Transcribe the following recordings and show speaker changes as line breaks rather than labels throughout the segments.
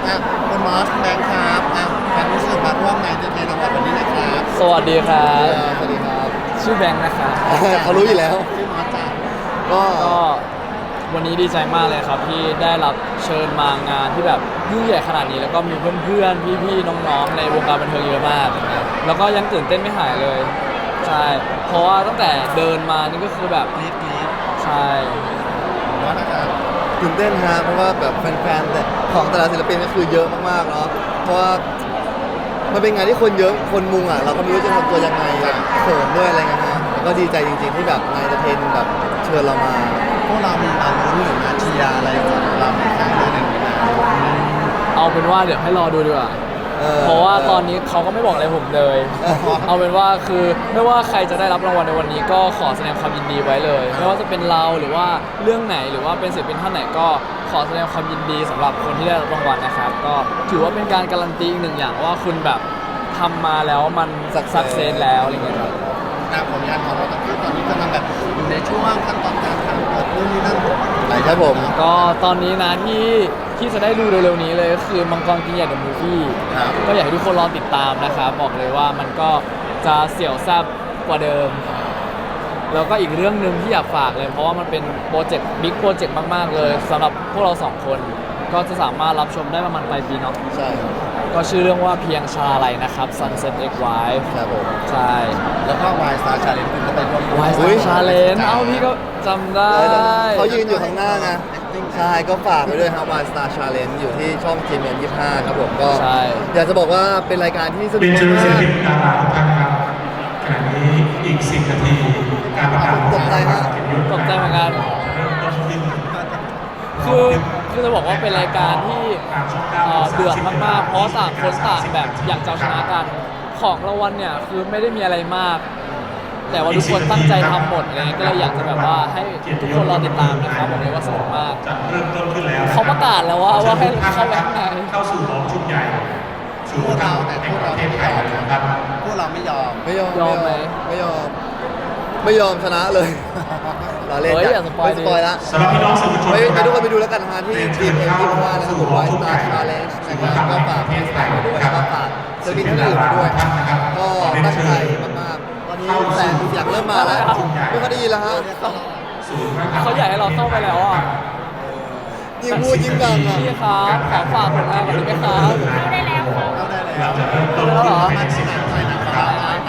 คุณมอสแบงค์ครับแบงค์รู้สึกมาร่วมในเทนรางวัลวันนี้นะครับ
สวัสดีครับ
สวัสดีครับ
ชื่อแบงค์นะครับ
เขารู้อยู่แล้วชื่อมอสจ้าก็
ก็วันนี้ดีใจมากเลยครับที่ได้รับเชิญมางานที่แบบยิ่งใหญ่ขนาดนี้แล้วก็มีเพื่อนๆพี่ๆน้องๆในวงการบันเทิงเยอะมากนะครับแล้วก็ยังตื่นเต้นไม่หายเลยใช่เพราะว่าตั้งแต่เดินมานี่ก็คือแบบ
กรี๊ด
ใช่
มอสนะครับตื่นเต้นฮะเพราะว่าแบบแฟนๆของแต่ละศิลปินก็คือเยอะมากๆเนาะเพราะว่ามันเป็นงานที่คนเยอะคนมุงอ่ะเราก็ไม่รู้จะทำตัวยังไงเขินด้วยอะไรเงี้ยฮะก็ดีใจจริงๆที่แบบนายเทนแบบเชิญเรามาพวกเรามีมาลุ้นหรือมาเชียร์อะไรของเราในครั้งนี้หนึ่งนะ
เอาเป็นว่าเดี๋ยวให้รอดูดีกว่าเพราะว่าตอนนี้เขาก็ไม่บอกอะไรผมเลย เอาเป็นว่าคือไม่ว่าใครจะได้รับรางวัลในวันนี้ก็ขอแสดงความยินดีไว้เลย ไม่ว่าจะเป็นเราหรือว่าเรื่องไหนหรือว่าเป็นศิลปินท่านไหนก็ขอแสดงความยินดีสำหรับคนที่ได้รับรางวัลนะครับก็ถือว่าเป็นการการันตีอีกหนึ่งอย่างว่าคุณแบบทำมาแล้วมันสักเซสแล้วอะไรเงี้ยครับ
ผลงานของเราตอนนี้กำลังแบบอยู่ในช่วงขั้นตอนการทำเปิดนู่นนี่นั่นอะไรครับผม
ก็ตอนนี้นะที่จะได้ดูเร็วๆนี้เลยก็คือมังกรกินใหญ่เดอะมูฟวี่ก็อยากให้ทุกคนรอติดตามนะครับบอกเลยว่ามันก็จะเสี่ยวแซ่บกว่าเดิมแล้วก็อีกเรื่องหนึ่งที่อยากฝากเลยเพราะว่ามันเป็นโปรเจกต์บิ๊กโปรเจกต์มากๆเลยสำหรับพวกเราสองคนก็จะสามารถรับชมได้ประมาณปลายปีเนาะ
ใช่
ก็ชื่อเรื่องว่าเพียงชาลัยนะครับ Sunset X Wife
ครับผม
ใช่
แล้วก็ Y Star Challenge คุณก็ไปร่วม
Y Star Challenge เอ้าพี่ก็จำได้
เขายืนอยู่ข้างหน้าไงใช่ก็ฝากไปด้วยครับ Y Star Challenge อยู่ที่ช่อง GMM25 ครับผมก็อยากจะบอกว่าเป็นรายการที่สนุกมาก
เป็นเชิญศิลปินดาราทุกท่านครับขณะนี้อีก10 นาทีการประกาศ
ตกใจฮะ
ตกใจเหมือนกัน
เริ่มต้นขึ้น
คือจะบอกว่าเป็นรายการที่เดือดมากๆ เพราะต่างคนต่างแบบอยากจะเอาชนะกันของรางวัลเนี่ยคือไม่ได้มีอะไรมาก แต่ว่าทุกคนตั้งใจทำหมดเลยก็เลยอยากจะแบบว่าให้ทุกคนรอติดตามนะครับบอกเลยว่าสนุกมาก
จะเริ่มต้นขึ้นแล้ว
เขาประกาศแล้วว่าให้เข้าไปข้างใน
เข้าสู่รอบชุดใหญ่สู่เราแต่พวกเราไม่ยอมนะครับพวกเราไม่ยอม
ยอมไหม
ไม่ยอมชนะเลยเราเล่น
อย่าสปอยล์
ละ
สำหรับพี่น้องสื่อมวลชน
ไปทุกคนไปดูแล้วกันนะที่ทีมที่ว่านะครับผม Y Star Challenge นะครับก็ฝากพี่สายไปด้วยก็ฝากศิลปินที่อื่นด้วยก็ตั้งใจมากๆตอนนี้แสงอยากเริ่มมาแล้วไม่ค่อยได้ยินแล้วฮะ
เขาอยากให้เราเข้าไปแล้วอ่ะ
ยิ่งพูดยิ่งดังอ่ะ
พี่ครับขอฝากผลงานก่อนได้ไหมครับ
เข้าได้แล้ว
แล้วเหรอ
มาที่ไหนนะครับ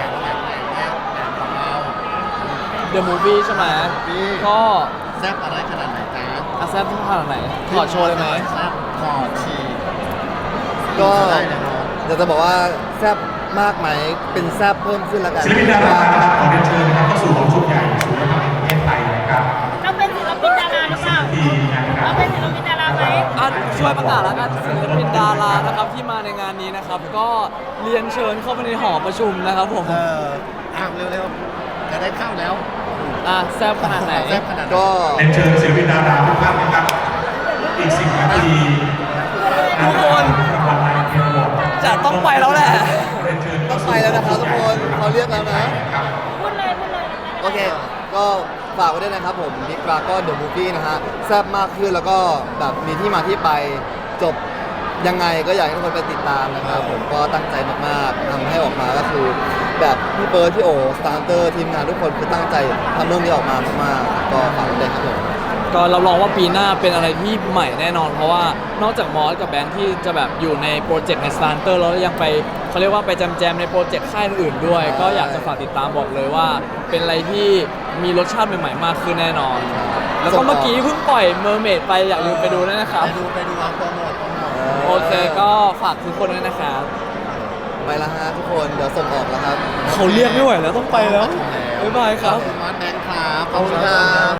The Movie ใช่ไหมก็
แซ่บอะไรขนาดไหนจ๊ะ
อาแซบทุกขนาดไหนขอโชว์เลยไหม
แซ่บขอชีก็อยากจะบอกว่าแซ่บมากไหมเป็นแซ่บเพิ่มขึ้นแล้วกัน
ศิลปินดารานะครับขอเรียนเชิญนะครับเข้าสู่รอบชุดใหญ่สู่ระดับประเทศไทยนะครับ
เราเป็นศิลปินดาราหรือเปล่าเราเป็นศิลปินดาราไหม
ช่วยประกาศแล้วกันศิลปินดารานะครับที่มาในงานนี้นะครับก็เรียนเชิญเข้าไปในหอประชุมนะครับผม
เร็วๆจะได้เข้าแล้ว
แซ่บขนาดไหน
ก็
เรียนเชิญศิลปินดาราทุกท่านนะครับอีก10 นาที
ทุกคนจะต้องไปแล้วแหละ
ต้องไปแล้วนะครับทุกคนเขาเรียกแล้วนะ
พูดเลย
โอเคก็ฝากไว้ด้วยนะครับผมบิ๊กดราก้อนเดอะมูฟวี่นะฮะแซ่บมากขึ้นแล้วก็แบบมีที่มาที่ไปจบยังไงก็อยากให้ทุกคนไปติดตามนะครับผมก็ตั้งใจมากๆทำให้ออกมาก็คือแบบพี่เบิร์ดพี่โอสตาร์เตอร์ทีมงานทุกคนคือตั้งใจทำเรื่องนี้ออกมามากๆก็ฝากไว้ด้วยครับผม
ก็รับรองว่าปีหน้าเป็นอะไรที่ใหม่แน่นอนเพราะว่านอกจากมอสกับแบงค์ที่จะแบบอยู่ในโปรเจกต์ในสตาร์เตอร์แล้วยังไปเขาเรียกว่าไปแจมในโปรเจกต์ค่ายอื่นๆด้วยก็อยากจะฝากติดตามบอกเลยว่าเป็นอะไรที่มีรสชาติใหม่ๆมากขึ้นแน่นอนแล้วก็เมื่อกี้เพิ่งปล่อยเมอร์เมดไปอยากลืมไปดูด้วยนะครับ
ไปดูเอาโปรโมท
โอเคก็ฝากทุกคนด้วยนะครับ
ไปแล้วฮะทุกคนเดี๋ยวส่งออกแล้วครับ
เขาเรียกไม่ไหวแล้วต้องไปแล้วบ๊ายบายครับ
มาแบงค์ครับขอบคุณครับ